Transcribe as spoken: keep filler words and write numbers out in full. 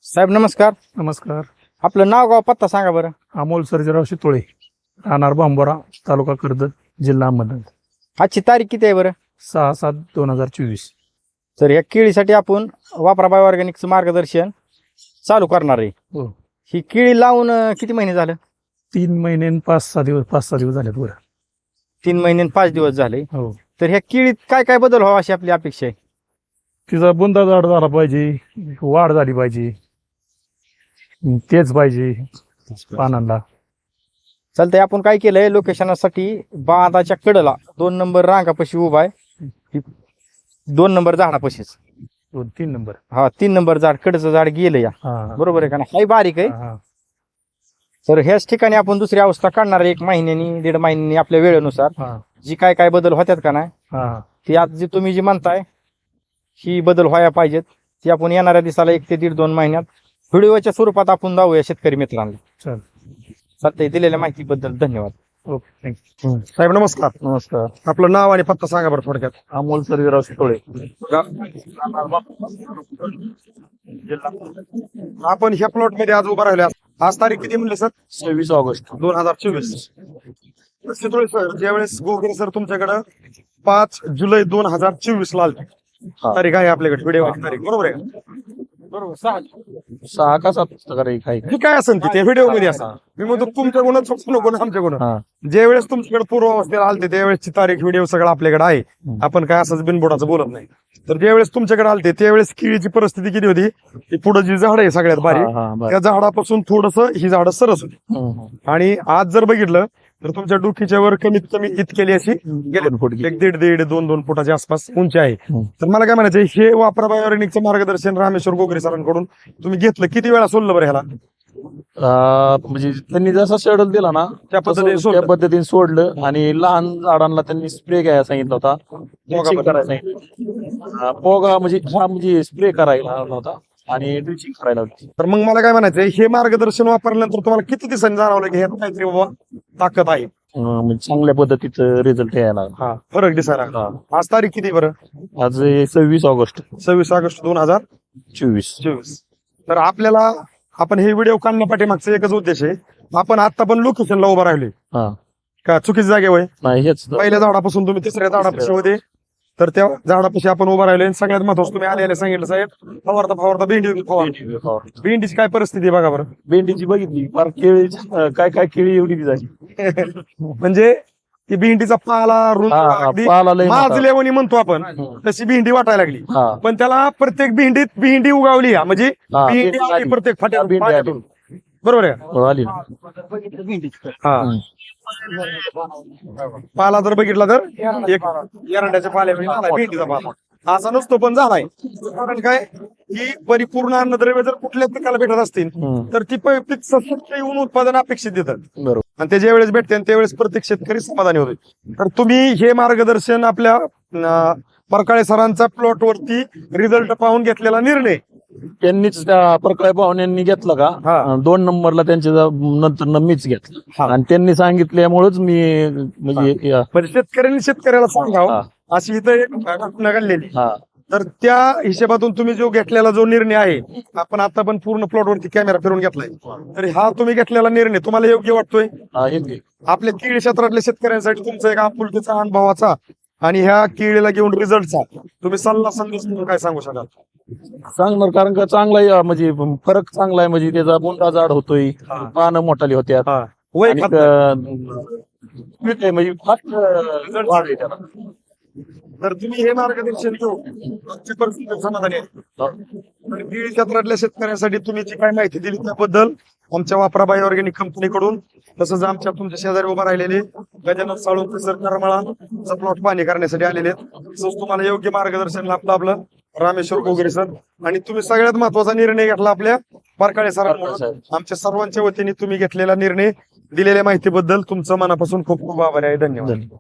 साहेब नमस्कार. नमस्कार. आपलं नाव गाव पत्ता सांगा बरं. अमोल सर्जेराव शितोळे, राहणार बांबोरा, तालुका कर्जत, जिल्हा अहमदनगर. आजची तारीख किती आहे बरं? सहा सात दोन हजार चोवीस. तर या केळीसाठी आपण वापरा बायो ऑर्गॅनिकचं मार्गदर्शन चालू करणार आहे. हो. ही केळी लावून अं, किती महिने झालं? तीन महिने आणि पाच सहा दिवस पाच सहा दिवस झालेत बरं. तीन महिने आणि पाच दिवस झाले. हो. तर ह्या केळीत काय काय बदल व्हावा अशी आपली अपेक्षा आहे? तिचा बुंदा झाड झाला पाहिजे, वाढ झाली पाहिजे, तेच पाहिजे पानांना. चालतंय. आपण काय केलंय, लोकेशनासाठी बांधाच्या कडेला दोन नंबर रांगापाशी उभा आहे. ही दोन नंबर झाडापाशीच. दोन तीन नंबर. हा, तीन नंबर झाड कडचं झाड गेलं या. हा बरोबर आहे का ना? हाय बारीक आहे. हा. तर ह्याच ठिकाणी आपण दुसरी अवस्था काढणार आहे. एक महिन्यानी दीड महिन्यानी आपल्या वेळेनुसार हा. जी काय काय बदल होत्यात का नाही हा. ती आज जी तुम्ही जी म्हणताय ही बदल व्हायला पाहिजेत, ती आपण येणाऱ्या दिवसाला एक ते दीड दोन महिन्यात व्हिडिओच्या स्वरूपात आपण दावूया शेतकरी मित्रांना. चल. चालतंय. दिलेल्या माहितीबद्दल धन्यवाद. Okay, thank you. साहेब नमस्कार. नमस्कार. आपलं नाव आणि पत्ता सांगा बरं थोडक्यात. अमोल सर्जेराव शितोळे. आपण ह्या प्लॉट मध्ये आज उभा राहिलो. आज तारीख किती म्हणले सर? सव्वीस ऑगस्ट दोन हजार चोवीस. शितोळे सर, ज्यावेळेस गोगरे सर तुमच्याकडं पाच जुलै दोन हजार चोवीस ला आलते. तारीख आहे आपल्याकडे व्हिडिओ तारीख, बरोबर आहे? बरोबर. सहा सहा का सात पुस्तकारे काही जी काय असेल ते व्हिडिओ मध्ये असं मी म्हणतो तुमच्या गुण नको ना आमच्या गुण. हा. ज्यावेळेस तुमच्याकडे पूर्व अवस्थेला आलते त्यावेळेसची तारीख व्हिडिओ सगळं आपल्याकडे आहे. आपण काय असंच बिनबोडाचं बोलत नाही. तर ज्यावेळेस तुमच्याकडे आलते त्यावेळेस केळीची परिस्थिती किती होती? ती पुढे जी झाड आहे सगळ्यात हा, बारीक, हा, बरं. त्या झाडापासून थोडस ही झाडं सरस होती. हम्म. आणि आज जर बघितलं तर तुमच्या डोकीच्या वर कमीत कमी इतकेली अशी गेले दोन फूट गेली. एक दीड दीड दोन दोन फुटाच्या आसपास उंची आहे. हम्म. तर मला काय म्हणायचं, हे वापरा बायोरेनिकचं मार्गदर्शन रामेश्वर गोगरे सरांकडून तुम्ही घेतलं, किती वेळा सोडलं बरं ह्याला? अं, म्हणजे त्यांनी जसा शेड्यूल दिला ना त्या पद्धतीने तसं सोडलं. त्या पद्धतीने सोडलं. आणि लहान झाडांना त्यांनी स्प्रे घ्यायला सांगितलं होता, ड्रिचिंग करायला सांगितलं. अं, पोगा म्हणजे हा म्हणजे स्प्रे करायला लावला होता आणि ड्रिचिंग करायला होती. तर मग मला काय म्हणायचं, हे मार्गदर्शन वापरल्यानंतर तुम्हाला किती दिवसांनी जाणवलं की ह्यात काहीतरी बाबा ताकद आहे, अं, म्हणजे चांगल्या पद्धतीचं रिझल्ट यायला लागला. हा फरक दिसायला लागला? हा. आज तारीख किती बरं? आज सव्वीस ऑगस्ट सव्वीस ऑगस्ट दोन हजार चोवीस. चोवीस. तर आपल्याला आपण हे व्हिडिओ काढण्यापाठीमागचा एकच उद्देश आहे, आपण आता पण लोकेशनला उभा राहिलोय हा. का चुकीच्या जागेवर? नाही हेच. पहिल्या झाडापासून तुम्ही तिसऱ्या झाडापाशी होते, तर त्या झाडापाशी आपण उभा राहिलोय. आणि सगळ्यात महत्वाचं तुम्ही आले आले सांगितलं, साहेब फवारता फवारता भेंडी फवार. भेंडीची काय परिस्थिती आहे बघा बरं. भेंडीची बघितली फार केळी, अं, काय काय केळी एवढी बी झाली. म्हणजे ती भेंडीचा पाला रुंद हा, हा, अगदी पाला लय मोठा. माजलेवणी म्हणतो आपण, तशी भेंडी वाटायला लागली. हा. पण त्याला प्रत्येक भेंडीत भेंडी उगावली, हा. म्हणजे हा, भेंडी भेंडी आली आली. प्रत्येक फाट्या भेंडी आली. पाट्यातून. बरोबर आहे. हो, आली ना. हा. हम्म. पाला जर बघितला तर एक एरंड्याच्या पाल्यामध्ये झालाय भेंडीचा पाला. असा नसतो पण झालाय. कारण काय, ही परिपूर्ण अन्नद्रव्य जर कुठल्या पिकाला भेटत असतील हम्म. तर ती प- पीक सशक्त येऊन उत्पादन अपेक्षित देतात. बरोबर. आणि ते ज्या वेळेस भेटते आणि त्यावेळेस प्रत्येक शेतकरी समाधानी होते. तर तुम्ही हे मार्गदर्शन आपल्या अं, परकाळे सरांचा प्लॉट वरती रिझल्ट पाहून घेतलेला निर्णय, त्यांनीच त्या प्रकारे पाहुण्यांनी घेतलं का? हा. अं, दोन नंबरला त्यांच्या जा- नंतर न मीच घेतलं. हा. आणि त्यांनी सांगितल्यामुळेच मी म्हणजे या- पण शेतकऱ्यांनी शेतकऱ्याला सांगावं हा. अशी इथं एक घटना घडलेली. हा. तर त्या हिशोबातून तुम्ही जो घेतलेला जो निर्णय आहे, आपण आता पण पूर्ण प्लॉट वरती कॅमेरा फिरून घेतलाय, तर हा तुम्ही घेतलेला निर्णय तुम्हाला योग्य वाटतोय? हा, हे घे. आपल्या केळी क्षेत्रातल्या शेतकऱ्यांसाठी तुमचा एक आपुलकीचा अनुभवाचा आणि ह्या केळीला घेऊन रिझल्टचा तुम्ही सल्ला संदेश म्हणून काय सांगू शकाल? सांगणार, कारण का चांगला आहे, म्हणजे फरक चांगला आहे. म्हणजे त्याचा बुंदा जाड होतोय, हा. पानं मोठाली होत्या. हा. वय आणि, खात अं, ठीक आहे, म्हणजे फास्ट अं, वाढ आहे त्याला. तर तुम्ही हे मार्गदर्शन घेऊन आजच्या परिस्थितीत समाधानी आहे? तर केळी क्षेत्रातल्या शेतकऱ्यांसाठी तुम्ही जी काय माहिती दिली त्याबद्दल आमच्या वापरा बायो ऑर्गॅनिक कंपनीकडून, तसंच आमच्या तुमच्या शेजारी उभा राहिलेले गजानन साळुंके सर करमाळा प्लॉट पाहणी करण्यासाठी आलेले आहेत. तसंच तुम्हाला योग्य मार्गदर्शन लाभलं आपलं रामेश्वर गोगरे सर. आणि तुम्ही सगळ्यात महत्वाचा निर्णय घेतला आपल्या परकाळे सरांमुळे. आमच्या सर्वांच्या वतीने तुम्ही घेतलेला निर्णय, दिलेल्या माहितीबद्दल तुमचं मनापासून खूप खूप आभार आहे. धन्यवाद. धन्यवाद.